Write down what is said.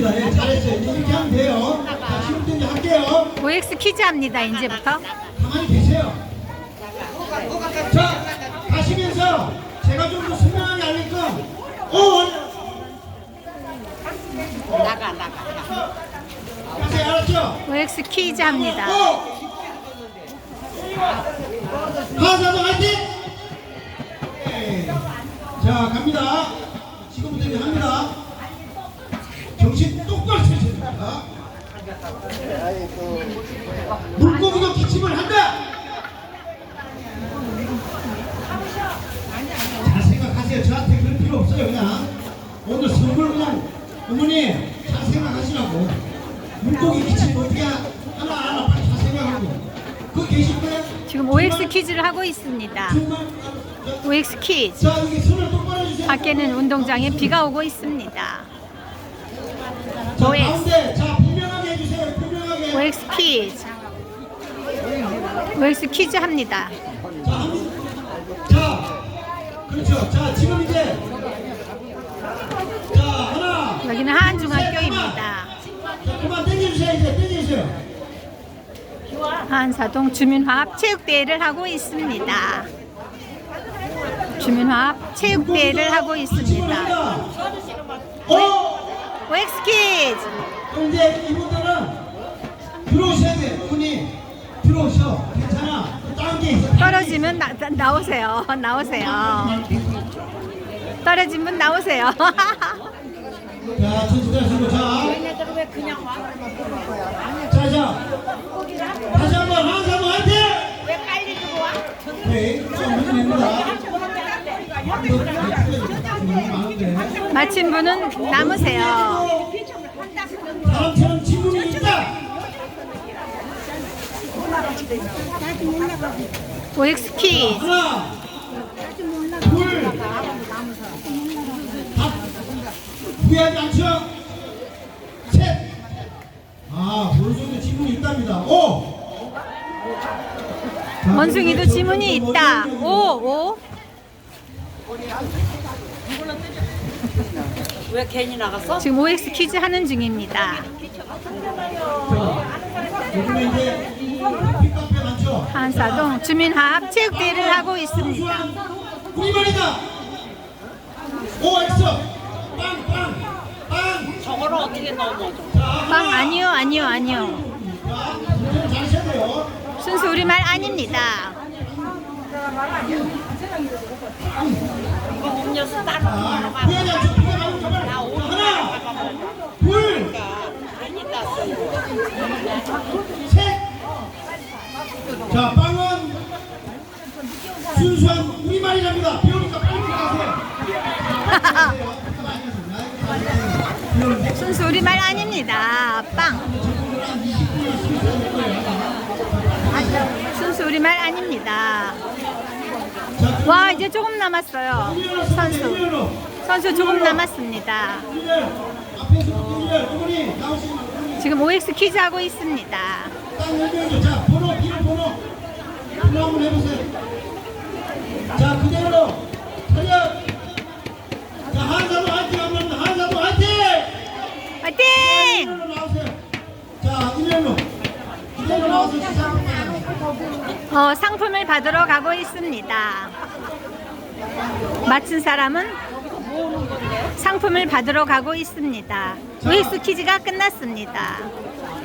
좋습니다. 예, 잘했어요. 이렇게 하면 돼요. 자, 지금부터 이제 할게요. OX 퀴즈 합니다. 이제부터. 가만히 계세요. 자, 가시면서 제가 좀 더 설명하게 하니까, 나가. 가세요. 알았죠? OX 퀴즈 합니다. 하사도 화이팅! 네. 자, 갑니다. 지금부터 이제 합니다. 정신 똑바로 차셔야 됩니다. 물고기도 기침을 한다! 잘 생각하세요. 저한테 그럴 필요 없어요. 그냥 오늘 선물 그냥 어머니 잘 생각하시라고. 물고기 기침 어떻게 하나 빨리 잘 생각하고. 그 계실 거예요? 지금 OX 퀴즈를 하고 있습니다. 정말 OX 퀴즈. 자, 여기 손을 똑바로 해주세요. 밖에는 운동장에 비가 오고 있습니다. 자, OX. 가운데 자 분명하게 해주세요. 분명하게. OX 퀴즈. OX 퀴즈 합니다. 자, 그렇죠. 자, 지금 이제 자 하나. 여기는 하안중학교입니다. 자, 그만 땡겨주세요. 이제 땡겨주세요. 하안사동 주민화합 체육대회를 하고 있습니다. 주민화합 체육대회를 하고 있습니다. OX 퀴즈. 그럼 이제 이분들은 들어오셔야 돼. 분이 들어오셔. 괜찮아. 다른 게 있어. 떨어지면 나오세요. 나오세요. 떨어진 분 나오세요. 자, 천천히 하시고 자. 얘네들은 왜 그냥 와? 자. 다시 한번 한사도 화이팅! 왜 빨리 들어와? 네, 좀 됩니다. 마친 분은 남으세요. 다음처럼 질문이 있다. OX 퀴즈. 하나, 둘, 다 후회하지 않죠? 셋. 어느 정도 질문이 있답니다. 오. 원숭이도 지문이 있다. 오. 왜 괜히 나갔어? 지금 OX 퀴즈 하는 중입니다. 요즘에 이제 픽카페 많죠? 하안사동 주민화합 체육대회를 하고 있습니다. 우리말이다. OX. 빵. 저거를 어떻게 넘어져? 빵 아니요. 잘 쉬어야 돼요. 순수 우리말 아닙니다. 이거 음료수 따로 먹으러 가. 후회하지 않죠? 비가 나오는 정말. 나 오늘 하나, 둘, 괜히 땄어. 셋. 자, 빵은 순수한 우리말이랍니다. 배우니까 빨리 가세요. 순수 우리말 아닙니다. 빵. 순수 우리말 아닙니다. 와, 이제 조금 남았어요. 선수 조금 남았습니다. 지금 OX 퀴즈 하고 있습니다. 자, 번호, 이름 번호 한번 해보세요. 자, 그대로 차렷. 자, 한사도 화이팅 합니다. 한사도 화이팅! 화이팅! 이리로 나오세요. 자, 이리로 나와서 시작. 상품을 받으러 가고 있습니다. 맞춘 사람은 상품을 받으러 가고 있습니다. OX 퀴즈가 끝났습니다.